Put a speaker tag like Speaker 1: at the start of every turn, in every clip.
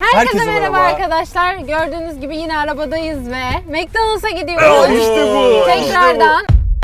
Speaker 1: Herkese merhaba arkadaşlar. Gördüğünüz gibi yine arabadayız ve McDonald's'a gidiyoruz.
Speaker 2: İşte bu.
Speaker 1: Tekrardan.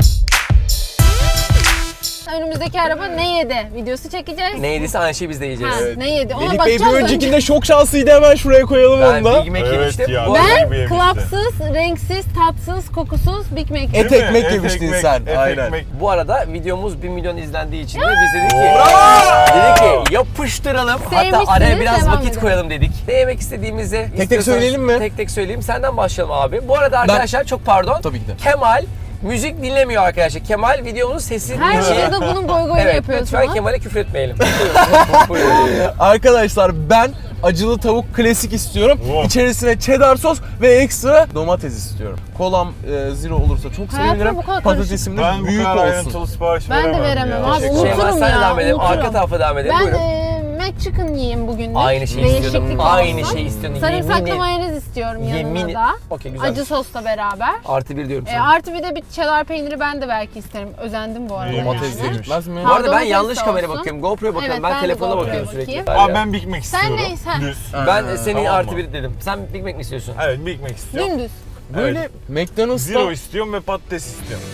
Speaker 1: Önümüzdeki araba ne yedi videosu çekeceğiz.
Speaker 3: Ne yediyse aynı şeyi biz de yiyeceğiz.
Speaker 1: Ha, ne yedi? Ona
Speaker 2: Melih Bey bir
Speaker 1: bakacağız
Speaker 2: öncekinde çok şanslıydı, hemen şuraya koyalım
Speaker 3: Ben
Speaker 2: onu da.
Speaker 3: Big Mac
Speaker 4: Evet
Speaker 3: yemiştim.
Speaker 4: ya.
Speaker 3: Bu
Speaker 1: Ben
Speaker 4: gibi yemişti.
Speaker 1: klapsız, renksiz, tatsız, kokusuz Big Mac yedim.
Speaker 2: Et ekmek yemiştin sen. Aynen.
Speaker 3: Bu arada videomuz 1 milyon izlendiği için de biz dedik ki yapıştıralım. Hatta
Speaker 1: Sevmişsiniz,
Speaker 3: araya biraz
Speaker 1: devam
Speaker 3: vakit
Speaker 1: edelim.
Speaker 3: koyalım dedik. Ne yemek istediğimizi
Speaker 2: tek söyleyelim mi?
Speaker 3: Tek tek söyleyeyim. Senden başlayalım abi. Bu arada arkadaşlar çok pardon.
Speaker 2: Tabii ki de.
Speaker 3: Kemal müzik dinlemiyor arkadaşlar. Kemal videomuzun sesini
Speaker 1: Her
Speaker 3: dinliyor.
Speaker 1: videoda bunun boy boyunu
Speaker 3: Evet,
Speaker 1: yapıyorsunuz.
Speaker 3: lütfen Kemal'e küfür etmeyelim. Buyurun.
Speaker 2: Arkadaşlar ben acılı tavuk klasik istiyorum.
Speaker 4: Wow.
Speaker 2: İçerisine cheddar sos ve ekstra domates istiyorum. Kolam zero olursa çok
Speaker 1: Hayatım
Speaker 2: sevinirim.
Speaker 1: bu kadar
Speaker 2: Patatesim de
Speaker 4: Ben bu
Speaker 2: büyük
Speaker 4: kadar
Speaker 2: olsun.
Speaker 4: ayrıntılı sipariş
Speaker 1: Ben de
Speaker 4: veremem
Speaker 1: veremem
Speaker 4: ya.
Speaker 1: abi,
Speaker 4: Teşekkür
Speaker 1: unuturum
Speaker 4: ederim.
Speaker 3: Şeyma sen
Speaker 1: ya,
Speaker 3: devam edelim.
Speaker 1: unuturum.
Speaker 3: Arka tarafa devam edelim.
Speaker 1: Ben
Speaker 3: Buyurun.
Speaker 1: McChicken yiyeyim bugün de.
Speaker 3: Aynı şeyi istiyordum.
Speaker 1: Değişiklik
Speaker 3: Aynı
Speaker 1: olsun.
Speaker 3: şeyi istiyordum.
Speaker 1: Sarımsaklı
Speaker 3: Yemin-
Speaker 1: mayonez istiyorum
Speaker 3: Yemin-
Speaker 1: yanına da.
Speaker 3: Okey, güzel.
Speaker 1: Acı sosla beraber.
Speaker 3: Artı bir diyorum sana.
Speaker 1: Artı bir de bir cheddar peyniri ben de belki isterim. Özendim bu arada.
Speaker 4: Domates
Speaker 1: yani.
Speaker 2: de gitmez mi?
Speaker 3: Bu arada ben
Speaker 1: Domates
Speaker 3: yanlış
Speaker 1: de
Speaker 3: kameraya
Speaker 1: olsun.
Speaker 3: bakıyorum. GoPro'ya bakıyorum.
Speaker 1: Evet,
Speaker 3: ben
Speaker 1: ben de
Speaker 3: telefona
Speaker 1: GoPro'ya
Speaker 3: bakıyorum sürekli.
Speaker 1: bakayım.
Speaker 4: Abi ben Big Mac istiyorum.
Speaker 1: neysen.
Speaker 4: Düz.
Speaker 3: Ben senin
Speaker 4: tamam
Speaker 3: artı
Speaker 4: mı?
Speaker 3: bir dedim. Sen Big Mac mi istiyorsun?
Speaker 4: Evet Big Mac istiyorum.
Speaker 1: Dümdüz.
Speaker 2: Böyle McDonald's'ta
Speaker 4: Zero istiyorum ve patates istiyorum.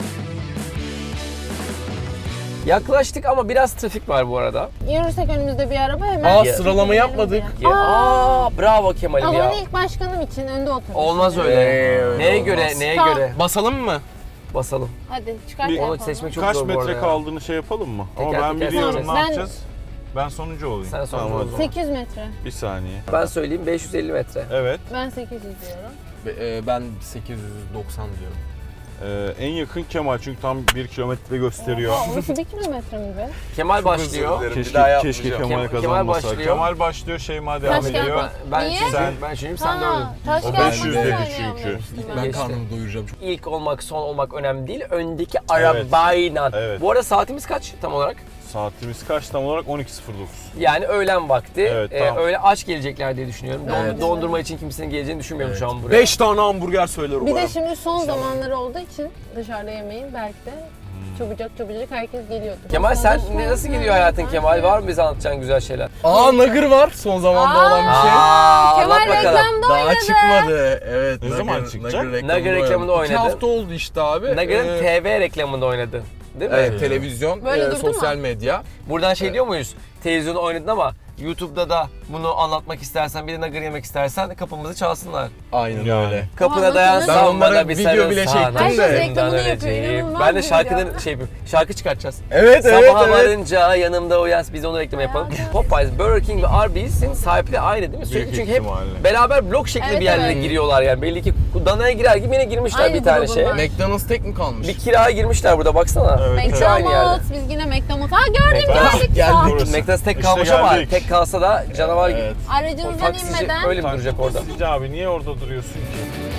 Speaker 3: Yaklaştık ama biraz trafik var bu arada.
Speaker 1: Yürürsek önümüzde bir araba hemen.
Speaker 2: Aa, sıralama yapmadık.
Speaker 3: Ya, bravo Kemal'im
Speaker 1: Ama
Speaker 3: ya.
Speaker 1: ben ilk başkanım için önde oturdum.
Speaker 3: Olmaz öyle. Neye göre, neye
Speaker 1: Tamam.
Speaker 3: göre?
Speaker 2: basalım mı?
Speaker 3: Basalım.
Speaker 1: Hadi çıkart
Speaker 4: Bir-
Speaker 1: yapalım.
Speaker 3: Onu seçmek çok
Speaker 4: Kaç
Speaker 3: zor bu arada
Speaker 4: metre
Speaker 3: ya.
Speaker 4: kaldığını şey yapalım mı? Ama
Speaker 3: Teker
Speaker 4: ben
Speaker 3: teker
Speaker 4: biliyorum
Speaker 1: seçeceğiz.
Speaker 4: ne
Speaker 1: Ben-
Speaker 4: yapacağız. Ben sonuncu olayım.
Speaker 3: Sen sonuncu
Speaker 4: Tamam,
Speaker 3: ol.
Speaker 4: o zaman.
Speaker 1: 800 metre.
Speaker 4: Bir saniye.
Speaker 3: Ben söyleyeyim 550 metre.
Speaker 4: Evet.
Speaker 1: Ben 800 diyorum.
Speaker 2: Ben 890 diyorum.
Speaker 4: En yakın Kemal çünkü tam 1 kilometre gösteriyor.
Speaker 1: Aa, orası 1 kilometre mi be?
Speaker 3: Kemal başlıyor.
Speaker 4: Keşke Kemal
Speaker 3: Kemal
Speaker 4: kazanmasa.
Speaker 3: başlıyor.
Speaker 4: Kemal başlıyor, Şeyma devam
Speaker 1: Kaç
Speaker 4: ediyor.
Speaker 3: Ben
Speaker 1: Niye?
Speaker 3: ben düşüneyim sen dördün.
Speaker 1: Taş
Speaker 4: O
Speaker 1: kağıt
Speaker 4: 500
Speaker 1: makas
Speaker 4: dedi
Speaker 1: oynayalım
Speaker 4: çünkü.
Speaker 1: demiştim
Speaker 2: Ben
Speaker 3: Geçti.
Speaker 2: karnımı doyuracağım.
Speaker 3: İlk olmak, son olmak önemli değil. Öndeki arabayla.
Speaker 4: Evet.
Speaker 3: Bu arada saatimiz kaç tam olarak?
Speaker 4: Saatimiz kaç tam olarak? 12.09.
Speaker 3: Yani öğlen vakti.
Speaker 4: Evet, tamam.
Speaker 3: Öyle aç gelecekler diye düşünüyorum.
Speaker 2: Evet.
Speaker 3: Dondurma için kimsenin geleceğini düşünmüyorum şu an buraya.
Speaker 2: 5 tane hamburger söyler
Speaker 1: Bir de
Speaker 2: umarım.
Speaker 1: şimdi son zamanları olduğu için dışarıda yemeyin belki de çabucak herkes geliyordur.
Speaker 3: Kemal sen
Speaker 1: Sonra
Speaker 3: nasıl gidiyor hayatın Kemal? Var mı bize anlatacağın güzel şeyler?
Speaker 2: Nugger var son zamanda olan bir şey.
Speaker 1: Kemal
Speaker 3: anlat bakalım.
Speaker 1: reklamda
Speaker 2: Daha
Speaker 1: oynadı.
Speaker 2: çıkmadı. Evet.
Speaker 4: Ne zaman çıkacak?
Speaker 3: Nugger reklamında oynadı.
Speaker 2: 2 hafta oldu işte abi.
Speaker 3: Nugget'ın TV reklamında oynadı. Değil mi?
Speaker 2: Evet, televizyon,
Speaker 1: Böyle durdu mu?
Speaker 2: sosyal medya.
Speaker 3: Buradan şey diyor muyuz? Televizyonda oynadın ama YouTube'da da bunu anlatmak istersen, bir de nugget yemek istersen kapımızı çalsınlar.
Speaker 2: Ayın
Speaker 4: Yani.
Speaker 2: öyle.
Speaker 3: Kapına
Speaker 1: Aa,
Speaker 3: dayan
Speaker 1: ben
Speaker 3: samba
Speaker 2: onlara
Speaker 3: da bir
Speaker 2: video bile
Speaker 3: sarılsana.
Speaker 2: çektim
Speaker 1: Herkes
Speaker 2: de.
Speaker 1: reklamını yapıyor,
Speaker 3: Öleceğim.
Speaker 1: inanılmaz
Speaker 3: Ben de
Speaker 1: bir
Speaker 3: şarkıdan
Speaker 1: video.
Speaker 3: şey yapayım. Şarkı çıkartacağız.
Speaker 2: Evet,
Speaker 3: Sabaha
Speaker 2: evet.
Speaker 3: varınca yanımda uyan. Biz onu reklam yapalım. Popeyes, Burger King ve Arby's'in sahipleri aynı değil mi? Sürekli
Speaker 4: Büyük
Speaker 3: çünkü hep
Speaker 4: ihtimalle.
Speaker 3: beraber blok şekli
Speaker 1: Evet,
Speaker 3: bir yerlere
Speaker 1: evet.
Speaker 3: giriyorlar yani. Belli ki danaya girer gibi yine girmişler
Speaker 1: Aynı
Speaker 3: bir tane
Speaker 1: grubun
Speaker 3: şey.
Speaker 1: var.
Speaker 2: McDonald's tek mi kalmış?
Speaker 3: Bir kiraya girmişler burada baksana.
Speaker 4: Evet,
Speaker 3: Üçü aynı yerde.
Speaker 1: McDonald's, biz yine McDonald's. Ha gördüm
Speaker 3: McDonald's
Speaker 1: geldik.
Speaker 2: geldik.
Speaker 1: Sağ ol.
Speaker 4: Burası.
Speaker 3: McDonald's tek
Speaker 4: İşte
Speaker 3: kalmış ama
Speaker 4: geldik.
Speaker 3: tek kalsa da canavar gibi.
Speaker 2: Evet.
Speaker 1: Aracınızdan
Speaker 3: Taksici
Speaker 1: inmeden
Speaker 3: öyle mi duracak orada?
Speaker 4: Taksici abi niye orada duruyorsun ki?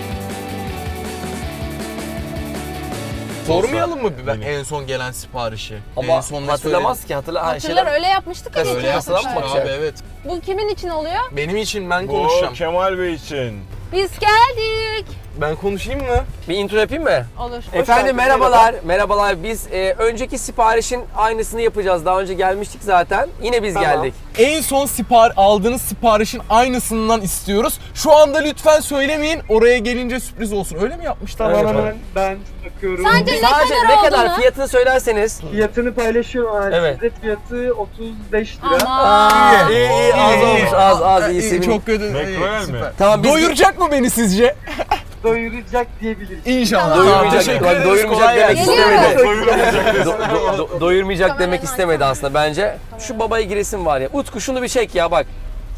Speaker 2: Sormayalım mı
Speaker 4: Benim.
Speaker 2: en son gelen siparişi?
Speaker 3: Ama
Speaker 2: en son ne
Speaker 3: hatırlamaz ki
Speaker 1: hatırlar öyle yapmıştık ya.
Speaker 3: Öyle
Speaker 1: ilk
Speaker 3: yapmıştık.
Speaker 1: yapmışlar.
Speaker 3: Bak
Speaker 2: Abi
Speaker 3: ya.
Speaker 2: evet.
Speaker 1: Bu kimin için oluyor?
Speaker 2: Benim için ben
Speaker 4: Bu
Speaker 2: konuşacağım.
Speaker 4: Kemal Bey için.
Speaker 1: Biz geldik.
Speaker 2: Ben konuşayım mı?
Speaker 3: Bir intro yapayım mı?
Speaker 1: Olur.
Speaker 3: Efendim merhabalar. Merhabalar. Biz önceki siparişin aynısını yapacağız. Daha önce gelmiştik zaten. Yine biz geldik.
Speaker 2: En son aldığınız siparişin aynısından istiyoruz. Şu anda lütfen söylemeyin. Oraya gelince sürpriz olsun. Öyle mi yapmışlar?
Speaker 3: Öyle
Speaker 2: Bana?
Speaker 3: mi?
Speaker 5: Ben bakıyorum.
Speaker 1: Sadece
Speaker 3: Sadece
Speaker 1: ne
Speaker 3: ne
Speaker 1: kadar
Speaker 3: kadar
Speaker 1: olduğunu.
Speaker 3: fiyatını söylerseniz.
Speaker 5: Fiyatını paylaşıyorum abi.
Speaker 3: Evet.
Speaker 5: Size fiyatı 35 lira.
Speaker 1: Aman.
Speaker 3: İyi az olmuş. Az iyisi.
Speaker 2: Çok kötü.
Speaker 4: McRoyal mi?
Speaker 2: Süper.
Speaker 3: Tamam biz
Speaker 2: Doyuracak mı beni sizce?
Speaker 5: Doyuracak diyebiliriz.
Speaker 2: İnşallah.
Speaker 3: Doyurmayacak.
Speaker 2: Teşekkür
Speaker 3: Bak,
Speaker 2: ederiz.
Speaker 3: doyurmayacak
Speaker 2: Kolay
Speaker 3: demek
Speaker 2: gelsin.
Speaker 3: istemedi.
Speaker 4: Doyuramayacak.
Speaker 3: Doyurmayacak demek
Speaker 1: Kameraman.
Speaker 3: istemedi aslında bence. Şu babaya giresim var ya. Utku şunu bir çek ya bak.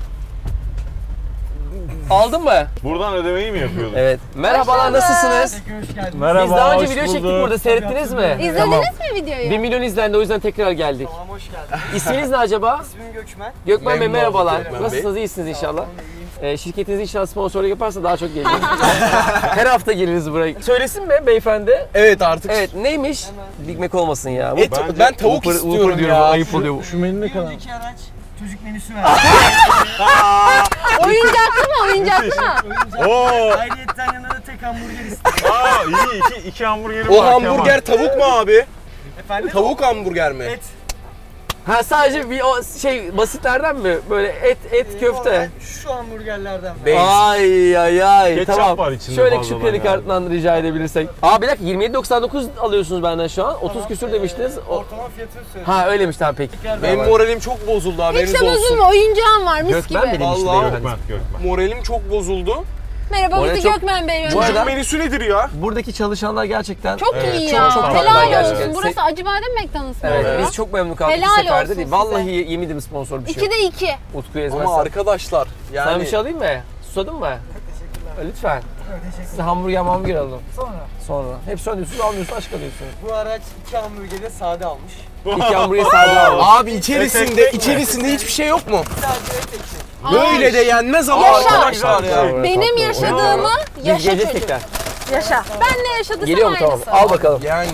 Speaker 3: Aldın mı?
Speaker 4: Buradan ödemeyi mi yapıyorduk?
Speaker 3: Evet. Merhabalar,
Speaker 1: bulduk.
Speaker 3: nasılsınız?
Speaker 5: Hoş geldiniz.
Speaker 4: Merhaba,
Speaker 3: Biz daha önce
Speaker 4: hoş
Speaker 3: video çektik
Speaker 4: bulduk.
Speaker 3: burada. Seyrettiniz mi?
Speaker 1: İzlediniz
Speaker 3: Tamam.
Speaker 1: mi videoyu?
Speaker 3: 1 milyon izlendi, o yüzden tekrar geldik.
Speaker 5: Tamam hoş geldiniz.
Speaker 3: İsminiz ne acaba?
Speaker 5: İsmim Gökmen.
Speaker 3: Gökmen Bey
Speaker 2: Memnun
Speaker 3: merhabalar.
Speaker 2: olduk Gökmen Bey.
Speaker 3: Nasılsınız? İyisiniz inşallah. Şirketiniz inşallah sponsorluk yaparsa daha çok geliriz. Her hafta geliriz buraya. Söylesin mi beyefendi?
Speaker 2: Evet artık.
Speaker 3: Evet, neymiş? Big Mac olmasın ya.
Speaker 2: Et,
Speaker 4: Bence
Speaker 2: ben tavuk
Speaker 3: Whopper
Speaker 2: istiyorum
Speaker 3: diyorum,
Speaker 2: ya.
Speaker 3: ayıp oluyor.
Speaker 4: Şu menü ne kadar?
Speaker 5: Öndeki araç çocuk menüsü var.
Speaker 1: Oyuncaklı mı? Oyuncaklı mı?
Speaker 4: Oo!
Speaker 5: Ayrıyetten yanında da tek hamburger istedim.
Speaker 4: İyi iki hamburgerim
Speaker 2: O
Speaker 4: var
Speaker 2: hamburger tavuk mu abi?
Speaker 5: Efendim?
Speaker 2: Tavuk hamburger mi?
Speaker 5: Et.
Speaker 3: Ha sadece bir o şey basitlerden mi? Böyle et köfte.
Speaker 5: Şu hamburgerlerden.
Speaker 2: Bey.
Speaker 3: Ay ay ay.
Speaker 4: Ketçap
Speaker 3: Tamam.
Speaker 4: var içinde
Speaker 3: Şöyle
Speaker 4: fazladan
Speaker 3: küçük kredi
Speaker 4: yani.
Speaker 3: kartından rica edebilirsek. Aa bir dakika 27.99 alıyorsunuz benden şu an. 30 küsür demiştiniz.
Speaker 5: Ortalama fiyatını söyle.
Speaker 3: Ha öyleymiş tamam peki.
Speaker 2: Benim moralim çok bozuldu
Speaker 1: Hiç
Speaker 2: haberiniz
Speaker 1: de
Speaker 2: olsun.
Speaker 1: bozulma, oyuncağım var mis
Speaker 3: Gökmen
Speaker 1: gibi.
Speaker 3: benim işte
Speaker 2: Vallahi
Speaker 3: beyefendi.
Speaker 4: Gökmen.
Speaker 2: Moralim çok bozuldu.
Speaker 1: Merhaba
Speaker 3: Oraya
Speaker 1: bizi
Speaker 3: çok-
Speaker 1: Gökmen Bey
Speaker 3: Bu
Speaker 1: yönetiyor.
Speaker 3: arada-
Speaker 2: Menüsü nedir ya?
Speaker 3: Buradaki çalışanlar gerçekten
Speaker 1: Çok
Speaker 4: Evet,
Speaker 1: iyi
Speaker 4: çok-
Speaker 1: ya.
Speaker 3: çok tatlı
Speaker 1: Helal
Speaker 3: gerçekten.
Speaker 1: olsun. Burası Acıbadem McDonald's mı
Speaker 3: Evet,
Speaker 1: oluyor?
Speaker 3: biz çok memnun kaldık
Speaker 1: Helal
Speaker 3: bu seferde
Speaker 1: olsun
Speaker 3: değil.
Speaker 1: size.
Speaker 3: Vallahi yeminim sponsor bir şey yok.
Speaker 1: 2'de 2.
Speaker 3: Utku'yu
Speaker 2: Ama
Speaker 3: ezmezsen.
Speaker 2: arkadaşlar yani
Speaker 3: Sana bir şey alayım mı? Susadın mı?
Speaker 5: Teşekkürler.
Speaker 3: Lütfen.
Speaker 5: Teşekkürler.
Speaker 3: Size hamburger alalım.
Speaker 5: Sonra.
Speaker 3: Sonra. Hep söylüyorsunuz almıyorsun aşk alıyorsun.
Speaker 5: Bu araç 2 hamburgeri sade almış.
Speaker 3: İki hamburger sade al.
Speaker 2: abi içerisinde hiçbir şey yok mu?
Speaker 5: Sadece et ekşi.
Speaker 2: Böyle de yenmez ama
Speaker 1: Yaşa.
Speaker 2: arkadaşlar ya.
Speaker 1: Benim yaşadığımı
Speaker 3: Biz
Speaker 1: yaşa
Speaker 3: geleceğiz
Speaker 1: çocuk.
Speaker 3: tekrar.
Speaker 1: Yaşa. Ben ne yaşadıysam
Speaker 3: Geliyor mu tamam?
Speaker 1: aynısı.
Speaker 3: Al bakalım.
Speaker 2: Yani.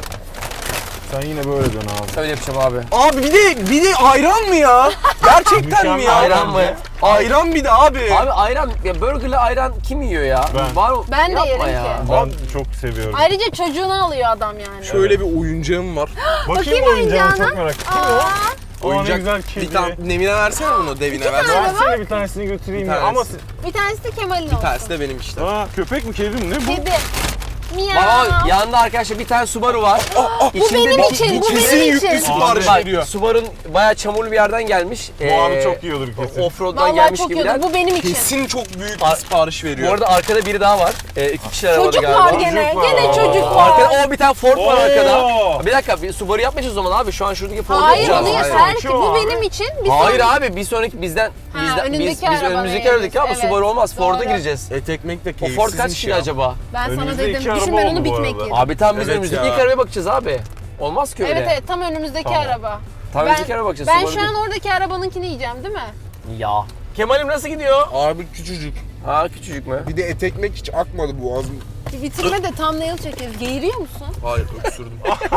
Speaker 4: Sen yine böyle dön abi.
Speaker 3: Öyle yapacağım abi.
Speaker 2: Abi bir de ayran mı ya? Gerçekten mi ya?
Speaker 3: Ayran mı?
Speaker 2: Ayran bir de abi.
Speaker 3: Abi ayran, ya burgerle ayran kim yiyor ya?
Speaker 4: Ben.
Speaker 3: Var,
Speaker 1: Ben de
Speaker 3: yapma
Speaker 1: yerim
Speaker 3: ya.
Speaker 1: ki.
Speaker 4: Ben çok seviyorum.
Speaker 1: Ayrıca çocuğunu alıyor adam yani.
Speaker 2: Şöyle bir oyuncağım var.
Speaker 1: Bakayım
Speaker 4: oyuncağına,
Speaker 1: oyuncağına.
Speaker 4: çok merak ettim.
Speaker 1: Aa,
Speaker 4: Oyuncak ne
Speaker 2: Oyuncak
Speaker 4: güzel
Speaker 2: bir
Speaker 4: kedi.
Speaker 2: tane Nevine versene bunu devine versene.
Speaker 1: tane.
Speaker 4: Versene bir tanesini götüreyim
Speaker 2: Bir
Speaker 4: ya.
Speaker 2: tanesi.
Speaker 4: Ama
Speaker 1: bir tanesi de Kemal'in olsun.
Speaker 2: Tersi de benim işte.
Speaker 4: Aa, köpek mi kedi mi ne bu?
Speaker 1: Kedi. Miyav.
Speaker 3: Baba yanında arkadaşlar bir tane Subaru var.
Speaker 1: Bu benim için, bu
Speaker 2: Kesin
Speaker 1: benim
Speaker 2: yüklü
Speaker 1: için.
Speaker 2: sipariş
Speaker 3: Bak
Speaker 2: veriyor.
Speaker 3: Subaru'nun bayağı çamurlu bir yerden gelmiş.
Speaker 4: Bu abi çok yiyordur kesin.
Speaker 3: Offroad'dan
Speaker 1: Vallahi
Speaker 3: gelmiş
Speaker 1: çok
Speaker 3: gibiler.
Speaker 1: iyi. Bu benim için.
Speaker 2: Kesin çok büyük bir sipariş
Speaker 3: Bu
Speaker 2: veriyor.
Speaker 3: arada arkada biri daha var. 2 kişiler arabada
Speaker 1: Çocuk
Speaker 3: galiba.
Speaker 1: var gene.
Speaker 4: Çocuk var.
Speaker 1: Gene çocuk var.
Speaker 3: Arkada o bir tane Ford var
Speaker 4: Oo.
Speaker 3: arkada. Bir dakika bir Subaru yapmayacağız o zaman abi. Şu an şuradaki Ford'u
Speaker 1: Hayır
Speaker 3: yapacağız.
Speaker 1: onu
Speaker 2: Hayır.
Speaker 1: yeter ki.
Speaker 4: Şu
Speaker 1: Bu
Speaker 4: abi.
Speaker 1: benim için. Bir
Speaker 3: Hayır
Speaker 1: sonraki-
Speaker 3: abi bir sonraki bizden
Speaker 1: önündeki
Speaker 3: biz
Speaker 1: araba
Speaker 3: önümüzdeki
Speaker 1: beğeniriz.
Speaker 3: aradaki ama
Speaker 1: Evet,
Speaker 3: Subaru olmaz. Ford'a
Speaker 1: doğru.
Speaker 3: gireceğiz.
Speaker 2: Et ekmek de
Speaker 3: O Ford
Speaker 2: keyifsizmiş
Speaker 3: kaç kişi
Speaker 2: ya.
Speaker 3: acaba?
Speaker 1: Ben sana
Speaker 4: Önümüzde
Speaker 1: dedim.
Speaker 4: iki
Speaker 1: Düşün
Speaker 4: araba
Speaker 1: ben onu
Speaker 4: oldu bu
Speaker 1: bitmek
Speaker 4: arada.
Speaker 1: yedim.
Speaker 3: Abi tamam biz
Speaker 2: Evet
Speaker 3: önümüzdeki
Speaker 2: ya.
Speaker 3: ilk arabaya bakacağız abi. Olmaz ki öyle.
Speaker 1: Evet evet tam önümüzdeki
Speaker 3: Tamam.
Speaker 1: araba.
Speaker 3: Tam
Speaker 1: Ben,
Speaker 3: önümüzdeki arabaya bakacağız.
Speaker 1: ben
Speaker 3: Subaru
Speaker 1: şu an oradaki arabanınkini yiyeceğim değil mi?
Speaker 3: değil. Ya. Kemal'im nasıl gidiyor?
Speaker 2: Abi küçücük.
Speaker 3: Ha küçücük mü?
Speaker 2: Bir de et ekmek hiç akmadı boğazım.
Speaker 1: Bitirme de thumbnail çekeriz. Geğiriyor musun?
Speaker 2: Hayır öksürdüm.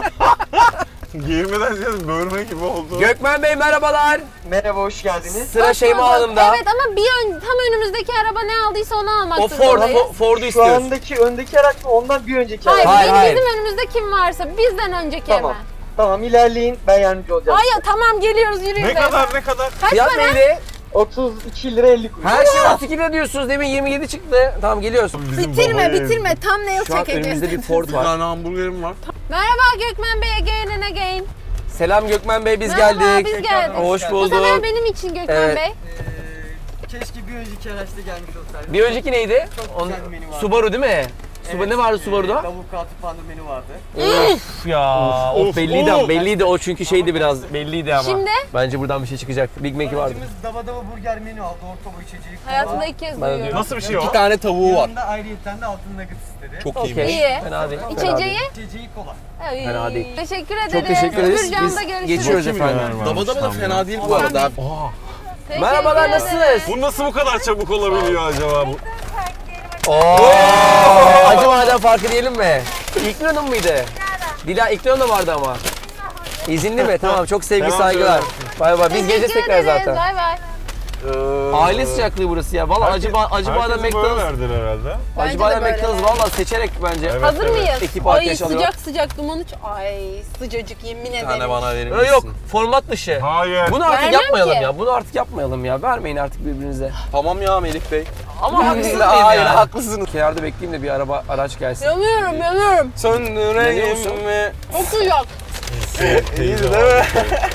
Speaker 4: Geğirmeden ziyade bölme gibi oldu.
Speaker 3: Gökmen Bey merhabalar.
Speaker 5: Merhaba hoş geldiniz.
Speaker 3: Sıra
Speaker 1: Hoş
Speaker 3: Şeyma
Speaker 1: bulduk.
Speaker 3: Hanım'da.
Speaker 1: Evet ama tam önümüzdeki araba ne aldıysa onu almak
Speaker 3: O Ford,
Speaker 1: zorundayız.
Speaker 3: Ford'u
Speaker 5: Şu
Speaker 3: istiyoruz.
Speaker 5: andaki öndeki araç mı ondan bir önceki
Speaker 1: Hayır,
Speaker 5: araç.
Speaker 3: Hayır.
Speaker 1: bizim önümüzde kim varsa bizden önceki
Speaker 5: Tamam.
Speaker 1: hemen.
Speaker 5: Tamam ilerleyin ben yardımcı olacağım.
Speaker 1: Hayır tamam geliyoruz yürüyün.
Speaker 4: Ne kadar ne kadar?
Speaker 1: Kaç
Speaker 3: Fiyat
Speaker 1: para?
Speaker 3: neydi?
Speaker 5: 32 lira 50 kuruş.
Speaker 3: Her şey 32 lira diyorsunuz. Demin 27 çıktı. Tamam geliyoruz.
Speaker 4: Bizim
Speaker 1: Bitirme
Speaker 4: babaya-
Speaker 1: bitirme thumbnail
Speaker 3: Şu an
Speaker 1: çekeceğiz.
Speaker 3: önümüzde bir Ford
Speaker 2: Bir
Speaker 3: var.
Speaker 2: tane hamburgerim var.
Speaker 1: Merhaba Gökmen Bey again and again.
Speaker 3: Selam Gökmen Bey biz
Speaker 1: Merhaba,
Speaker 3: geldik.
Speaker 1: biz geldik.
Speaker 3: Hoş
Speaker 5: Bu
Speaker 1: Bu
Speaker 3: bulduk.
Speaker 1: sefer benim için Gökmen
Speaker 3: Evet.
Speaker 1: Bey.
Speaker 5: Keşke bir önceki araçta gelmiş olsaydı.
Speaker 3: Bir önceki neydi?
Speaker 5: Çok güzel bir menü vardı.
Speaker 3: Subaru değil mi? Subaru ne vardı Subaru'da?
Speaker 5: Avukatı pandır menü vardı.
Speaker 3: Of ya. Of, belliydi
Speaker 4: of.
Speaker 3: belliydi o çünkü şeydi biraz belliydi ama.
Speaker 1: Şimdi?
Speaker 3: Bence buradan bir şey çıkacak. Big Mac'i vardı.
Speaker 5: Aracımız dava dava burger menü aldı. Orta boy içeceği.
Speaker 1: Hayatımda ilk kez
Speaker 3: Bana
Speaker 1: duyuyorum.
Speaker 3: diyor.
Speaker 4: Nasıl bir şey o?
Speaker 2: Bir tane tavuğu var.
Speaker 5: Yanında ayrıyetten de altın nugget istedi.
Speaker 2: Çok
Speaker 3: Okey.
Speaker 2: iyiymiş.
Speaker 1: İyi.
Speaker 3: Fena değil.
Speaker 1: İçeceği?
Speaker 5: İçeceği kola.
Speaker 1: Ay,
Speaker 3: Fena değil.
Speaker 1: Teşekkür ederiz.
Speaker 3: Çok teşekkür ederiz.
Speaker 1: Öbür camda
Speaker 3: Biz
Speaker 1: görüşürüz.
Speaker 3: geçiyoruz
Speaker 4: Bakayım
Speaker 3: efendim.
Speaker 4: neler varmış
Speaker 2: Daba da
Speaker 4: tam ya.
Speaker 2: fena değil bu arada.
Speaker 1: Teşekkür
Speaker 3: Merhabalar
Speaker 1: ederiz.
Speaker 3: nasılsınız?
Speaker 4: Bu nasıl bu kadar çabuk olabiliyor acaba? Bu?
Speaker 3: Oo. Acıbadem farkı diyelim mi? İlknur Hanım mıydı? Dila İlknur Hanım vardı ama. İzinli mi? Tamam çok sevgi
Speaker 4: Selam
Speaker 3: saygılar. Bay bay. Biz
Speaker 1: Teşekkür
Speaker 3: geleceğiz tekrar
Speaker 1: ederiz.
Speaker 3: zaten.
Speaker 1: Bay bay.
Speaker 3: Aile sıcaklığı burası ya. Vallahi Acıbadem
Speaker 4: Herkes böyle
Speaker 3: McDonald's.
Speaker 4: verdiler herhalde.
Speaker 1: Bence
Speaker 3: Acıbadem
Speaker 1: de böyle.
Speaker 3: McDonald's valla seçerek bence.
Speaker 4: Evet,
Speaker 1: Hazır
Speaker 4: evet.
Speaker 1: mıyız?
Speaker 3: Ekip
Speaker 1: Ay
Speaker 3: arkadaş alıyor.
Speaker 1: sıcak sıcak duman uç. Ay sıcacık yemin
Speaker 2: Bir
Speaker 1: ederim.
Speaker 2: tane bana verir
Speaker 3: Yok
Speaker 2: misin?
Speaker 3: yok format dışı.
Speaker 4: Hayır.
Speaker 3: Bunu artık
Speaker 1: Vermem
Speaker 3: yapmayalım
Speaker 1: ki.
Speaker 3: ya. Bunu artık yapmayalım ya. Vermeyin artık birbirinize.
Speaker 2: Tamam ya Melih Bey.
Speaker 3: Ama haklısınız
Speaker 2: Hayır
Speaker 3: ya.
Speaker 2: haklısınız.
Speaker 3: Kenarda bekleyeyim de bir araç gelsin.
Speaker 1: Yanıyorum yanıyorum.
Speaker 3: Yanıyor
Speaker 2: Söndüreyim
Speaker 3: musun?
Speaker 2: mi?
Speaker 1: Çok sıcak.
Speaker 2: İyiydi değil mi?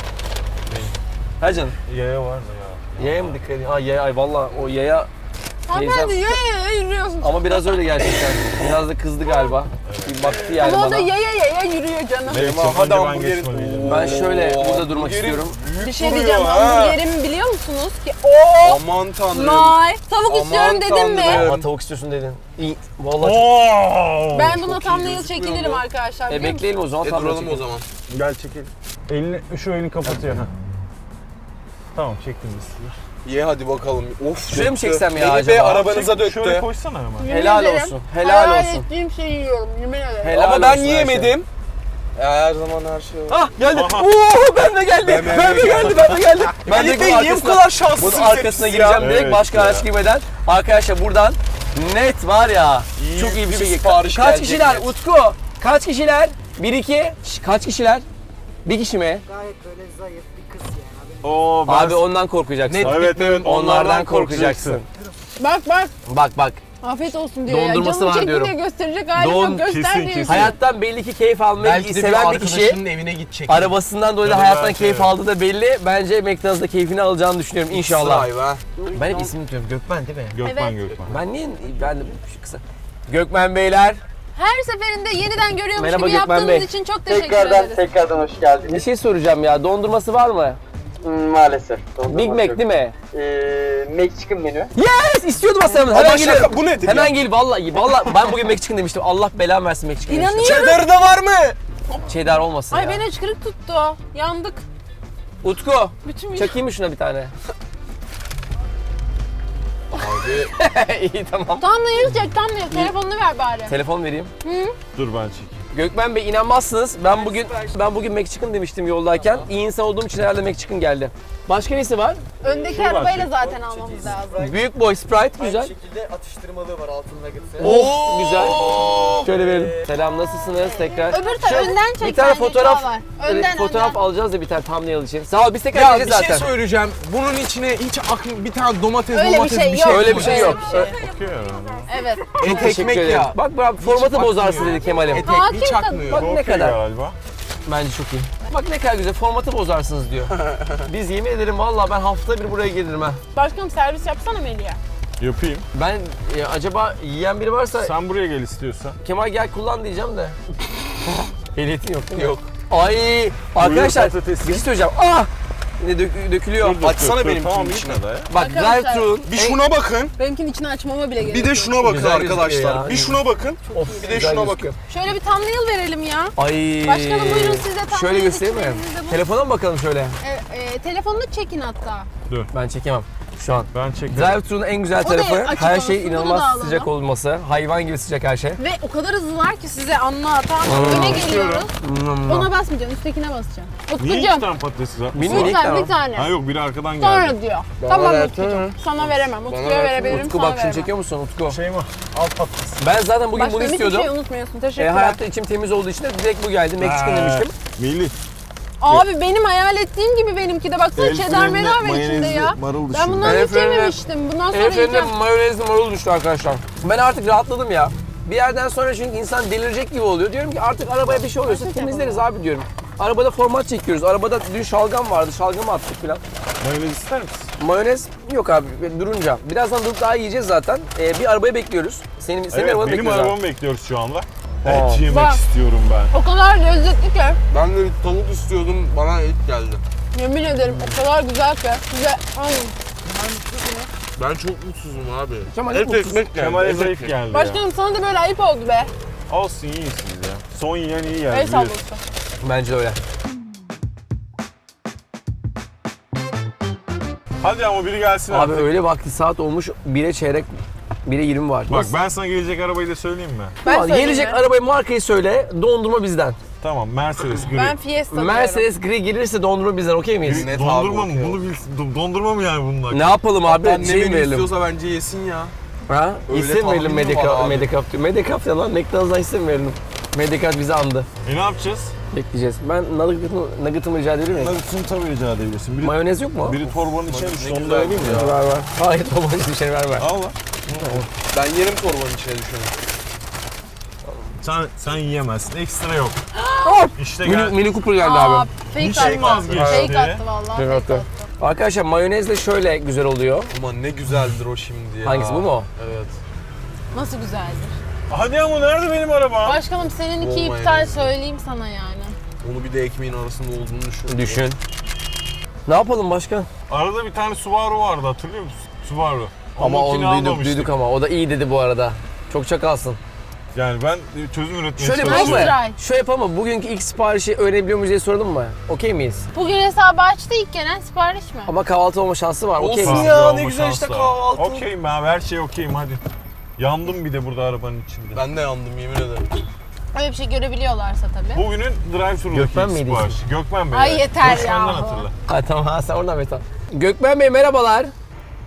Speaker 3: Ha canım.
Speaker 4: Yaya var mı ya?
Speaker 3: Yaya mı dikkat edin? Ha yaya ay valla o yaya
Speaker 1: Hanımefendi yaya yürüyorsun.
Speaker 3: ama biraz öyle gerçekten. Biraz da kızdı galiba. Bir baktı yani
Speaker 1: Ama o da
Speaker 3: bana.
Speaker 1: yaya yürüyor canım.
Speaker 4: Melih'cim
Speaker 2: Hadi
Speaker 4: önce ben
Speaker 2: hamburgerin-
Speaker 4: geçmeliydim.
Speaker 3: Ben şöyle
Speaker 2: Oo,
Speaker 3: burada durmak
Speaker 2: hamburgerin
Speaker 3: istiyorum.
Speaker 2: büyük
Speaker 1: Bir şey
Speaker 2: duruyor
Speaker 1: diyeceğim.
Speaker 2: ha.
Speaker 1: Hamburgerimi biliyor musunuz ki? Oo.
Speaker 2: Aman tanrım.
Speaker 1: May. Tavuk
Speaker 2: Aman
Speaker 1: istiyorum dedim mi?
Speaker 2: tanrım.
Speaker 3: Ama tavuk istiyorsun dedin. İyi. Vallahi
Speaker 4: Oo!
Speaker 1: Ben buna
Speaker 2: çok iyi
Speaker 1: thumbnail
Speaker 2: gözükmüyor
Speaker 1: çekilirim
Speaker 2: bu.
Speaker 1: arkadaşlar. biliyor musunuz?
Speaker 3: bekleyelim o zaman.
Speaker 2: E
Speaker 3: tam
Speaker 2: duralım o
Speaker 3: çekelim.
Speaker 2: zaman.
Speaker 4: Gel çekil. Şu elini kapatıyor. Ha. Tamam çektim biz.
Speaker 2: Ye hadi bakalım. Of.
Speaker 3: Şuraya mı
Speaker 2: döktü.
Speaker 3: çeksem ya
Speaker 2: Melih Bey
Speaker 3: acaba?
Speaker 2: arabanıza
Speaker 4: Şöyle
Speaker 2: döktü.
Speaker 4: koysana hemen.
Speaker 1: Yemin
Speaker 3: Helal
Speaker 1: ederim,
Speaker 3: olsun, helal
Speaker 1: hayal
Speaker 3: olsun.
Speaker 1: ettiğim şeyi yiyorum. Yemin ederim.
Speaker 3: Helal
Speaker 2: Ama ben
Speaker 3: olsun her şey.
Speaker 2: yiyemedim. Her zaman her şey var.
Speaker 3: Ah geldi.
Speaker 4: Aha.
Speaker 3: Oo ben de geldi.
Speaker 2: Ben
Speaker 3: Ben de geldi. Ben de geldi. Ben
Speaker 2: Melih
Speaker 3: de
Speaker 2: Bey niye bu kadar şanslısınız?
Speaker 3: bunun arkasına gireceğim direkt
Speaker 4: Evet
Speaker 3: başka
Speaker 4: ya.
Speaker 3: araç girmeden. Arkadaşlar buradan net var ya.
Speaker 2: İyi
Speaker 3: çok iyi bir
Speaker 2: bir
Speaker 3: bilgi.
Speaker 2: sipariş
Speaker 3: Kaç
Speaker 2: gelecek
Speaker 3: kişiler
Speaker 2: net.
Speaker 3: Utku? Kaç kişiler? 1 2. Kaç kişiler? Bir kişi mi?
Speaker 5: Gayet böyle zayıf bir
Speaker 4: Oo, ben...
Speaker 3: Abi ondan korkacaksın.
Speaker 4: Evet evet
Speaker 3: Onlardan korkacaksın.
Speaker 1: Bak bak.
Speaker 3: Bak bak.
Speaker 1: Afiyet olsun diyor
Speaker 3: Dondurması
Speaker 1: ya.
Speaker 3: var
Speaker 1: Canım
Speaker 3: diyorum.
Speaker 1: çekti diye gösterecek halim
Speaker 3: Don-
Speaker 1: yok. Göster
Speaker 4: kesin,
Speaker 1: diyorsun.
Speaker 4: kesin.
Speaker 3: Hayattan belli ki keyif almayı
Speaker 2: Belki de bir
Speaker 3: seven bir kişi.
Speaker 2: arkadaşının evine gidecek.
Speaker 3: Arabasından dolayı da
Speaker 4: Tabii
Speaker 3: hayattan
Speaker 4: belki,
Speaker 3: keyif
Speaker 4: evet.
Speaker 3: aldığı da belli. Bence McDonald's'da keyfini alacağını düşünüyorum inşallah.
Speaker 2: Vay be.
Speaker 3: Ben hep ismini unutuyorum. Gökmen değil mi?
Speaker 4: Gökmen
Speaker 1: Evet.
Speaker 4: Gökmen.
Speaker 3: Ben niye? Ben de şu kısa. Gökmen Beyler.
Speaker 1: Her seferinde yeniden görüyormuş
Speaker 3: Merhaba
Speaker 1: gibi
Speaker 3: Gökmen
Speaker 1: yaptığınız
Speaker 3: Bey.
Speaker 1: için çok teşekkür ederiz.
Speaker 5: Tekrardan hoş
Speaker 3: Bir
Speaker 5: geldiniz.
Speaker 3: şey soracağım ya. Dondurması var mı?
Speaker 5: Maalesef.
Speaker 3: Big Mac değil mi?
Speaker 5: McChicken menü.
Speaker 3: Yes! İstiyordum aslında. Hemen
Speaker 2: Ama
Speaker 3: geliyorum.
Speaker 2: şaka bu nedir
Speaker 3: Hemen
Speaker 2: ya?
Speaker 3: gel vallahi. Vallahi ben bugün McChicken demiştim. Allah belamı versin McChicken demiştim.
Speaker 1: İnanıyorum.
Speaker 2: Cheddar da var mı?
Speaker 3: Cheddar olmasın
Speaker 1: Ay
Speaker 3: ya.
Speaker 1: beni hıçkırık tuttu. Yandık.
Speaker 3: Utku.
Speaker 1: Bütün
Speaker 3: Çakayım mı şuna bir tane? İyi tamam.
Speaker 1: Tam da yeriz Jack, tam da yeriz. Telefonunu ver bari.
Speaker 3: Telefon vereyim.
Speaker 4: Dur ben çekeyim.
Speaker 3: Gökmen Bey inanmazsınız. Ben bugün McChicken demiştim yoldayken. İyi insan olduğum için herhalde McChicken geldi. Başka nesi var?
Speaker 1: Öndeki
Speaker 4: Şuradan
Speaker 1: arabayla
Speaker 4: çek.
Speaker 1: zaten almamız lazım.
Speaker 3: Büyük boy Sprite güzel.
Speaker 5: şekilde atıştırmalığı var altın nugget'ı.
Speaker 3: Oh güzel. Şöyle verelim. Selam nasılsınız tekrar?
Speaker 1: Öbür taraf önden çek.
Speaker 3: Bir tane
Speaker 1: bence,
Speaker 3: fotoğraf,
Speaker 1: daha var. Önden,
Speaker 3: fotoğraf
Speaker 1: önden.
Speaker 3: alacağız da bir tane thumbnail için. Sağ ol biz tekrar
Speaker 2: Ya bir
Speaker 3: geleceğiz
Speaker 2: şey
Speaker 3: zaten.
Speaker 2: söyleyeceğim. Bunun içine hiç bir tane domates
Speaker 1: Öyle bir
Speaker 2: domates
Speaker 1: şey yok.
Speaker 3: Öyle bir şey yok.
Speaker 1: bir şey. Evet.
Speaker 2: Et
Speaker 3: Teşekkür
Speaker 2: ekmek
Speaker 3: ederim.
Speaker 2: ya.
Speaker 3: Bak bak formatı
Speaker 2: bakmıyor.
Speaker 3: bozarsın dedi Kemal'im.
Speaker 2: Et
Speaker 1: Hakim
Speaker 2: ekmeği çakmıyor.
Speaker 3: Bak ne
Speaker 4: Okey
Speaker 3: kadar.
Speaker 4: galiba.
Speaker 3: Bence çok iyi. Bak ne kadar güzel formatı bozarsınız diyor. Biz yemin ederim vallahi ben haftada bir buraya gelirim ha.
Speaker 1: Başkanım servis yapsana Melih'e.
Speaker 4: Yapayım.
Speaker 3: Ben acaba yiyen biri varsa
Speaker 4: Sen buraya gel istiyorsan.
Speaker 3: Kemal gel kullan diyeceğim de. Ehliyetin yok değil mi? Yok. Ay arkadaşlar
Speaker 4: patatesi.
Speaker 3: bir şey söyleyeceğim. Ah! Yine dökülüyor.
Speaker 4: Dur, dur,
Speaker 2: Açsana
Speaker 4: dur, dur.
Speaker 2: benimkinin
Speaker 4: Tamam
Speaker 2: içine.
Speaker 4: gitme de ya.
Speaker 3: Bak
Speaker 1: Arkadaşlar,
Speaker 3: drive-thru.
Speaker 2: Bir şuna bakın.
Speaker 1: Benimkinin içine açmama bile gerek
Speaker 2: Bir de
Speaker 1: yok.
Speaker 2: şuna bakın
Speaker 3: Güzel gözüküyor
Speaker 2: arkadaşlar.
Speaker 3: ya.
Speaker 2: Bir şuna bakın.
Speaker 3: Of,
Speaker 2: Bir de
Speaker 3: güzel
Speaker 2: şuna
Speaker 3: gözüküyor.
Speaker 1: Şöyle bir thumbnail verelim ya.
Speaker 3: Ay.
Speaker 1: Başkanım buyurun size thumbnail
Speaker 3: Şöyle göstereyim mi?
Speaker 1: içeriğinizi bu-
Speaker 3: Telefona mı bakalım şöyle?
Speaker 1: Telefonunu çekin hatta.
Speaker 3: Ben çekemem şu an.
Speaker 4: Ben çekerim.
Speaker 3: Drive-thru'nun en güzel
Speaker 1: O da
Speaker 3: tarafı
Speaker 1: açık
Speaker 3: her
Speaker 1: olsun,
Speaker 3: şey
Speaker 1: bunu da
Speaker 3: inanılmaz
Speaker 1: alalım.
Speaker 3: sıcak olması. Hayvan gibi sıcak her şey.
Speaker 1: Ve o kadar hızlılar ki size anla. Tamam öne geliyoruz. Ona basmayacaksın, üsttekine basacaksın.
Speaker 4: Niye iki
Speaker 1: Utkucuğum.
Speaker 4: tane patates var?
Speaker 3: Bilmiyorum.
Speaker 1: Bir tane, bir tane.
Speaker 4: Ha yok biri arkadan geldi.
Speaker 1: Sonra diyor. Tamam
Speaker 3: ver,
Speaker 1: Utkucuğum. Sana veremem. Utku'ya
Speaker 2: ver.
Speaker 1: verebilirim,
Speaker 3: Utku
Speaker 1: sana
Speaker 3: bak şunu
Speaker 1: veremem.
Speaker 3: çekiyor musun Utku?
Speaker 4: Şey mi? Al patates.
Speaker 3: Ben zaten bugün bunu
Speaker 1: Başkanım hiçbir
Speaker 3: istiyordum.
Speaker 1: şey unutmuyorsun. Teşekkürler.
Speaker 3: Hayatta içim temiz olduğu için de direkt bu geldi. McChicken demiştim.
Speaker 4: Melih.
Speaker 1: Abi benim hayal ettiğim gibi benimki de. Baksana
Speaker 4: El
Speaker 1: cheddar
Speaker 4: frenine
Speaker 1: menü var içinde
Speaker 4: mayonezli
Speaker 1: ya.
Speaker 4: marul
Speaker 1: Ben
Speaker 4: düşün.
Speaker 1: bundan
Speaker 3: El
Speaker 1: hiç
Speaker 3: frenine-
Speaker 1: yememiştim. Bundan sonra
Speaker 3: Elif'in
Speaker 1: yiyeceğim.
Speaker 3: mayonezli marul düştü arkadaşlar. Ben artık rahatladım ya. Bir yerden sonra çünkü insan delirecek gibi oluyor. Diyorum ki artık arabaya bir şey oluyorsa temizleriz abi diyorum. Arabada format çekiyoruz. Arabada dün şalgam vardı. Şalgamı attık falan.
Speaker 4: Mayonez ister misin?
Speaker 3: Mayonez yok abi durunca. Birazdan durup daha yiyeceğiz zaten. Bir arabaya bekliyoruz. Senin
Speaker 4: Evet
Speaker 3: arabanı
Speaker 4: benim
Speaker 3: bekliyoruz abi.
Speaker 4: arabamı bekliyoruz şu anda. Et yemek
Speaker 1: Bak.
Speaker 4: istiyorum ben.
Speaker 1: O kadar lezzetli ki.
Speaker 2: Ben de bir tavuk istiyordum. Bana et geldi.
Speaker 1: Yemin ederim o kadar güzel ki. Size alın.
Speaker 2: Ben çok mutsuzum abi.
Speaker 3: Kemal
Speaker 2: Et
Speaker 3: hep mutsuz.
Speaker 2: ekmek geldi.
Speaker 4: Kemal'e
Speaker 2: et
Speaker 4: zayıf
Speaker 2: ekmek.
Speaker 4: geldi ya.
Speaker 1: Başkanım sana da böyle ayıp oldu be.
Speaker 4: Olsun iyisiniz ya. Son yiyen iyi geldi.
Speaker 1: El
Speaker 4: biliyorsun.
Speaker 1: sallıyorsun.
Speaker 3: Bence de öyle.
Speaker 4: Hadi ama biri gelsin
Speaker 3: Abi
Speaker 4: artık.
Speaker 3: öyle vakti saat olmuş 1'e çeyrek 1'e 20 var.
Speaker 4: Bak
Speaker 3: Nasıl?
Speaker 4: ben sana gelecek arabayı da söyleyeyim mi?
Speaker 1: Ben
Speaker 3: Ulan
Speaker 1: söyleyeyim
Speaker 3: gelecek
Speaker 1: mi?
Speaker 3: arabayı markayı söyle, dondurma bizden.
Speaker 4: Tamam Mercedes gri.
Speaker 1: Ben Fiesta diyorum.
Speaker 3: Mercedes gri gelirse dondurma bizden, okey miyiz?
Speaker 2: Net
Speaker 4: Dondurma
Speaker 2: abi,
Speaker 4: mı?
Speaker 2: okey.
Speaker 4: Bunu bilsin. Dondurma mı yani bunlar?
Speaker 3: Ne yapalım abi?
Speaker 2: Annem
Speaker 3: Şey mi
Speaker 2: beni
Speaker 3: verelim?
Speaker 2: istiyorsa bence yesin ya.
Speaker 3: Ha?
Speaker 2: Öyle
Speaker 3: İsim verelim
Speaker 2: tahminim var abi.
Speaker 3: Medicap diyor. Medicap ya lan, McDonald's'a isim verelim. Medicap bizi andı.
Speaker 4: Ne yapacağız?
Speaker 3: Bekleyeceğiz. Ben nugget'ımı rica edebilir miyim?
Speaker 4: Nugget'ını tabii rica edebilirsin. Biri,
Speaker 3: Mayonez yok mu?
Speaker 4: biri torbanın içine düştü.
Speaker 2: Ne
Speaker 4: Onu
Speaker 2: güzel
Speaker 4: da vereyim mi
Speaker 2: ya.
Speaker 4: ya?
Speaker 3: Ver ver. Hayır, olmaz bir şey ver.
Speaker 4: Al lan.
Speaker 2: Ben yerim torbanın içine düşeni.
Speaker 4: Sen yiyemezsin. Ekstra yok. İşte
Speaker 3: Mini,
Speaker 4: gel.
Speaker 3: Mini Cooper geldi
Speaker 1: Aa,
Speaker 3: abi.
Speaker 4: Bir
Speaker 1: fake
Speaker 4: şey
Speaker 1: attı.
Speaker 4: vazgeçti.
Speaker 1: Fake attı vallahi.
Speaker 3: Fake
Speaker 1: Fake
Speaker 3: attı.
Speaker 1: attı.
Speaker 3: Arkadaşlar mayonezle şöyle güzel oluyor.
Speaker 2: Aman ne güzeldir o şimdi ya.
Speaker 3: Hangisi, bu mu?
Speaker 2: Evet.
Speaker 1: Nasıl güzeldir.
Speaker 4: Hadi ama nerede benim arabam?
Speaker 1: Başkanım seninki
Speaker 2: Olmayın.
Speaker 1: iptal söyleyeyim sana yani.
Speaker 2: Onu bir de ekmeğin arasında olduğunu düşün.
Speaker 3: Düşün. Ne yapalım başkan?
Speaker 4: Arada bir tane Subaru vardı hatırlıyor musun? Subaru.
Speaker 3: Ama
Speaker 4: Onunkini
Speaker 3: onu duyduk
Speaker 4: almamıştık.
Speaker 3: ama. O da iyi dedi bu arada. Çok çakalsın.
Speaker 4: Yani ben çözüm üretmeye
Speaker 3: Şöyle
Speaker 1: Nice
Speaker 3: yapalım
Speaker 4: çalışıyorum.
Speaker 3: mı?
Speaker 1: try.
Speaker 3: Şöyle yapalım mı? Bugünkü ilk siparişi öğrenebiliyor muyuz diye soralım mı? Okey miyiz?
Speaker 1: Bugün hesabı açtı ilk gelen sipariş mi?
Speaker 3: Ama kahvaltı olma şansı var. Okey
Speaker 2: Olsun
Speaker 3: miyiz?
Speaker 2: ya,
Speaker 4: Kahvaltı
Speaker 2: ne
Speaker 4: olma
Speaker 2: güzel işte
Speaker 4: şansı var.
Speaker 2: kahvaltı.
Speaker 4: Okeyim abi her şey okeyim hadi. Yandım bir de burada arabanın içinde.
Speaker 2: Ben de yandım yemin ederim.
Speaker 1: Öyle bir şey görebiliyorlarsa tabii.
Speaker 4: Bugünün drive-thru'daki
Speaker 3: Gökmen
Speaker 4: ilk
Speaker 3: miydi
Speaker 4: siparişi. Gökmen Bey.
Speaker 1: Ay
Speaker 4: evet.
Speaker 1: yeter
Speaker 4: Gökmen'den
Speaker 1: ya.
Speaker 4: hatırla.
Speaker 3: Ha tamam, ha, sen oradan Metan. Gökmen Bey merhabalar.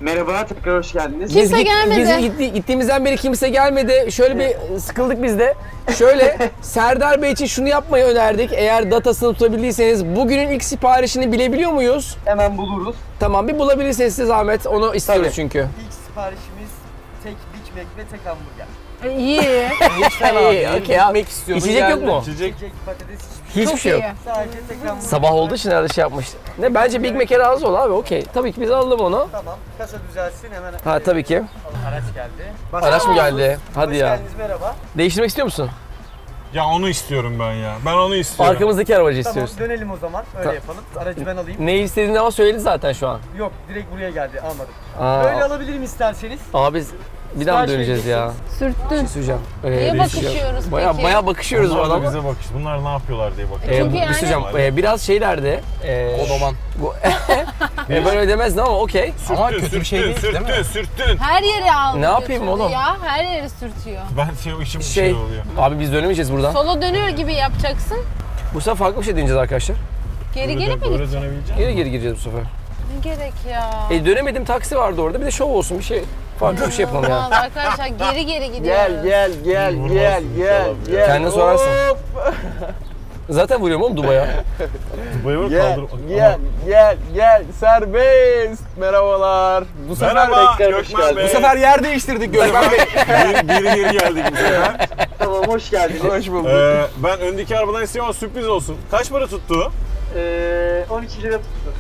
Speaker 5: Merhaba, tekrar hoş geldiniz.
Speaker 1: Kimse gelmedi.
Speaker 3: Biz gittiğimizden beri kimse gelmedi. Şöyle bir sıkıldık biz de. Şöyle Serdar Bey için şunu yapmayı önerdik. Eğer datasını tutabildiyseniz bugünün ilk siparişini bilebiliyor muyuz?
Speaker 5: Hemen buluruz.
Speaker 3: Tamam bir bulabilirseniz size zahmet. Onu istiyoruz
Speaker 5: Tabii.
Speaker 3: çünkü.
Speaker 5: İlk siparişimiz tek Big Mac ve tek hamburger.
Speaker 1: İyi.
Speaker 2: Hiç fena değil.
Speaker 3: Okey abi.
Speaker 2: Gitmek istiyordun,
Speaker 3: İçecek yok
Speaker 2: geldin.
Speaker 3: mu?
Speaker 4: İçecek.
Speaker 5: Çiçek, patates,
Speaker 3: Hiçbir şey yok.
Speaker 1: iyi.
Speaker 5: sadece tek hamburger.
Speaker 3: Sabah olduğu için herhalde şey yapmış. Ne bence Big Mac'e razı ol abi okey. Tabii ki biz alalım onu.
Speaker 5: Tamam, kasa düzelsin hemen.
Speaker 3: Ha tabii ki.
Speaker 5: Araç geldi.
Speaker 3: Araç mı geldi? Hadi
Speaker 5: Hoş
Speaker 3: ya.
Speaker 5: geldiniz, merhaba.
Speaker 3: Değiştirmek istiyor musun?
Speaker 4: Ya onu istiyorum ben ya. Ben onu istiyorum.
Speaker 3: Arkamızdaki arabacı
Speaker 5: Tamam,
Speaker 3: istiyoruz.
Speaker 5: dönelim o zaman. Öyle yapalım. Aracı ben alayım.
Speaker 3: Ne istediğini ama söyledi zaten şu an.
Speaker 5: Yok, direkt buraya geldi, almadım.
Speaker 3: Aa,
Speaker 5: Böyle alabilirim isterseniz.
Speaker 3: Abi biz bir daha mı
Speaker 5: Sipariş
Speaker 3: döneceğiz ya?
Speaker 1: Sürttün.
Speaker 3: Söyleyeceğim.
Speaker 1: Niye bakışıyoruz
Speaker 3: Baya
Speaker 1: peki?
Speaker 3: baya bakışıyoruz bu
Speaker 4: Bunlar da
Speaker 3: adama.
Speaker 4: bize bakış. Bunlar ne yapıyorlar diye bakıyor.
Speaker 1: Çünkü
Speaker 3: Bir
Speaker 1: yani-
Speaker 3: söyleyeceğim. Biraz şeylerdi.
Speaker 2: Kodoman.
Speaker 3: Ben öyle demezdim ama okey.
Speaker 2: Ama kötü bir şey değil, değil mi?
Speaker 4: Sürttün.
Speaker 1: Her yeri aldı.
Speaker 3: Ne yapayım
Speaker 1: götürdü
Speaker 3: oğlum?
Speaker 1: Ya her yeri sürtüyor.
Speaker 4: Ben işim bir
Speaker 3: Şey,
Speaker 4: şey oluyor.
Speaker 3: abi biz dönemeyeceğiz buradan.
Speaker 1: Sola dönüyor gibi yapacaksın.
Speaker 3: Bu sefer farklı bir şey deneyeceğiz arkadaşlar.
Speaker 1: Geri geri mi
Speaker 4: Böyle
Speaker 1: gideceksin?
Speaker 4: dönebilecek
Speaker 3: Geri geri gireceğiz bu sefer.
Speaker 1: Ne gerek ya?
Speaker 3: Dönemedim taksi vardı orada. Bir de şov olsun bir şey. Farklı bir şey yapalım ya.
Speaker 1: Vallahi arkadaşlar geri geri gidiyoruz.
Speaker 5: gel,
Speaker 4: inşallah.
Speaker 3: Kendine sorarsın. Zaten vuruyorum oğlum Dubai'ye.
Speaker 4: Bayılır kaldır.
Speaker 5: Gel, serbest. Merhabalar. Bu sefer
Speaker 4: Merhaba,
Speaker 5: tekrar hoş
Speaker 4: Gökmen
Speaker 5: geldiniz.
Speaker 4: Bey.
Speaker 2: Bu sefer yer değiştirdik Gökmen Bey.
Speaker 4: Geri geldik bu sefer.
Speaker 5: Tamam, hoş geldiniz.
Speaker 2: Hoş bulduk.
Speaker 4: Ben öndeki arabadan istiyorum ama sürpriz olsun. Kaç para tuttu?
Speaker 5: 12 lira tuttu.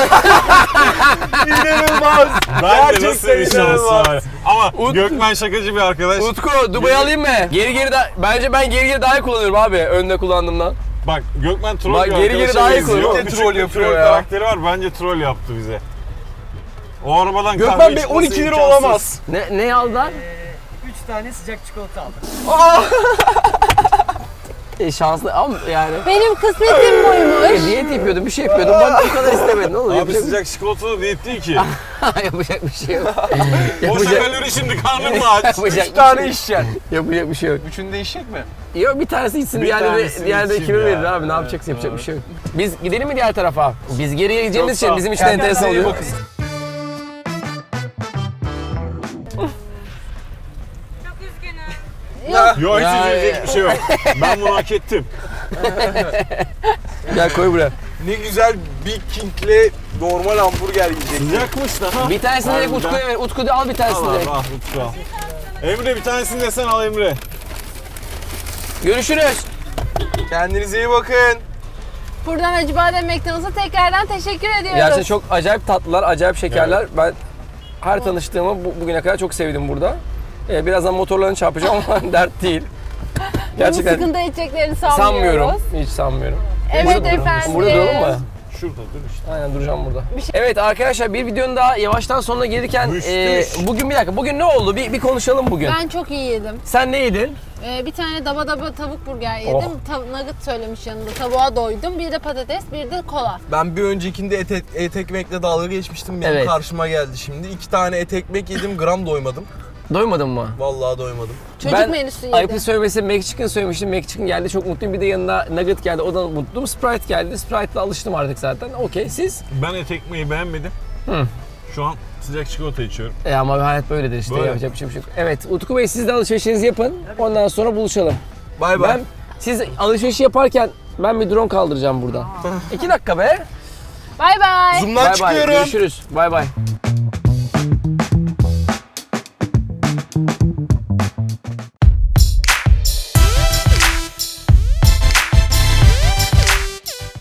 Speaker 2: İnanılmaz.
Speaker 4: Ben de nasıl bir
Speaker 2: Gerçekten
Speaker 4: şans
Speaker 2: inanılmaz.
Speaker 4: var. Ama
Speaker 3: Ut-
Speaker 4: Gökmen şakacı bir arkadaş.
Speaker 3: Utku Dubai'yi alayım mı? Bence ben geri daha iyi kullanıyorum abi önde kullandığımdan.
Speaker 4: Bak Gökmen troll
Speaker 3: Bak,
Speaker 4: bir
Speaker 3: geri
Speaker 4: arkadaşa
Speaker 3: daha iyi
Speaker 4: benziyor.
Speaker 3: kullanıyor.
Speaker 4: Küçük
Speaker 2: Troll
Speaker 4: bir
Speaker 2: yapıyor
Speaker 4: troll
Speaker 2: ya.
Speaker 4: karakteri var. Bence troll yaptı bize. O arabadan kahve
Speaker 2: Gökmen Bey
Speaker 4: içmesi
Speaker 2: 12 lira
Speaker 4: imkansız.
Speaker 2: olamaz.
Speaker 3: Ne aldılar?
Speaker 5: 3 tane sıcak çikolata aldım.
Speaker 3: Şanslı ama yani.
Speaker 1: Benim kısmetim buymuş.
Speaker 3: Diyet yapıyordum, bir şey yapıyordum. Bak bu kadar istemedin. Ne olur?
Speaker 4: Abi
Speaker 3: Yapacak,
Speaker 4: sıcak çikolata diyet değil ki.
Speaker 3: yapacak bir şey yok.
Speaker 4: Boşa kalori şimdi karnın mı aç?
Speaker 3: Yapacak
Speaker 2: 3
Speaker 3: bir şey
Speaker 2: tane
Speaker 3: yok.
Speaker 2: içeceksin.
Speaker 3: Yapacak bir şey yok.
Speaker 2: Üçünü de içecek mi?
Speaker 3: Yok bir tanesi içsin,
Speaker 4: Bir tanesini
Speaker 3: diğer de
Speaker 4: içeyim
Speaker 3: kime
Speaker 4: ya.
Speaker 3: verir abi? Ne yapacaksın? Yapacak bir şey yok. Biz gidelim mi diğer tarafa? Biz geriye gideceğimiz için bizim için enteresan
Speaker 2: Kendinize iyi
Speaker 3: oluyor.
Speaker 2: bakın.
Speaker 4: Yok hiç
Speaker 2: Ya,
Speaker 4: üzülecek bir şey yok. Ben bunu hak ettim.
Speaker 3: Gel koy buraya.
Speaker 2: Ne güzel Big King'le normal hamburger yiyecek.
Speaker 4: Sıcakmış da ha.
Speaker 3: Bir tanesini direkt
Speaker 4: Harbiden.
Speaker 3: Utku'ya ver. Utku al bir tanesini
Speaker 4: Al
Speaker 3: direkt.
Speaker 4: abi, al Utku al. Emre bir tanesini de sen al Emre.
Speaker 3: Görüşürüz.
Speaker 2: Kendinize iyi bakın.
Speaker 1: Buradan Acıbadem McDonald's'a tekrardan teşekkür ediyoruz.
Speaker 3: Gerçekten çok acayip tatlılar, acayip şekerler. Ben her tanıştığımı bugüne kadar çok sevdim burada. Birazdan motorlarını çarpacağım ama dert değil.
Speaker 1: Bunun
Speaker 3: Gerçekten
Speaker 1: sıkıntı edeceklerini sanmıyoruz.
Speaker 3: sanmıyorum. Hiç sanmıyorum.
Speaker 1: Evet
Speaker 3: Burada-
Speaker 1: efendim.
Speaker 3: Burada duralım mı?
Speaker 4: Şurada dur işte.
Speaker 3: Aynen duracağım burada. Evet arkadaşlar bir videonun daha yavaştan sonuna gelirken bugün bir dakika. Bugün ne oldu? Bir konuşalım bugün.
Speaker 1: Ben çok iyi yedim.
Speaker 3: Sen ne yedin?
Speaker 1: Bir tane daba tavuk burger yedim.
Speaker 3: Oh.
Speaker 1: Nugget söylemiş yanında. Tavuğa doydum. Bir de patates, bir de kola.
Speaker 2: Ben bir öncekinde et ekmekle dalga geçmiştim. Benim
Speaker 3: Evet.
Speaker 2: karşıma geldi şimdi. 2 tane et ekmek yedim, gram doymadım.
Speaker 3: Doymadın mı?
Speaker 2: Vallahi doymadım.
Speaker 1: Çocuk
Speaker 3: Ben
Speaker 1: menüsü yedim.
Speaker 3: ayıplı söylemesi McChicken söylemiştim. McChicken geldi çok mutluyum. Bir de yanına Nugget geldi. O da mutluyum. Sprite geldi. Sprite'la alıştım artık zaten. Okey siz?
Speaker 4: Ben et ekmeği beğenmedim. Şu an sıcak çikolata içiyorum.
Speaker 3: Ama hayat böyledir işte.
Speaker 4: Böyle.
Speaker 3: Yapacak bir şey yok. Evet Utku Bey siz de alışverişinizi yapın. Ondan sonra buluşalım.
Speaker 2: Bay bay.
Speaker 3: Siz alışverişi yaparken ben bir drone kaldıracağım buradan. 2 dakika be.
Speaker 1: Bay bay.
Speaker 2: Zoom'dan
Speaker 3: Bay bay.
Speaker 2: çıkıyorum.
Speaker 3: Görüşürüz. Bay bay.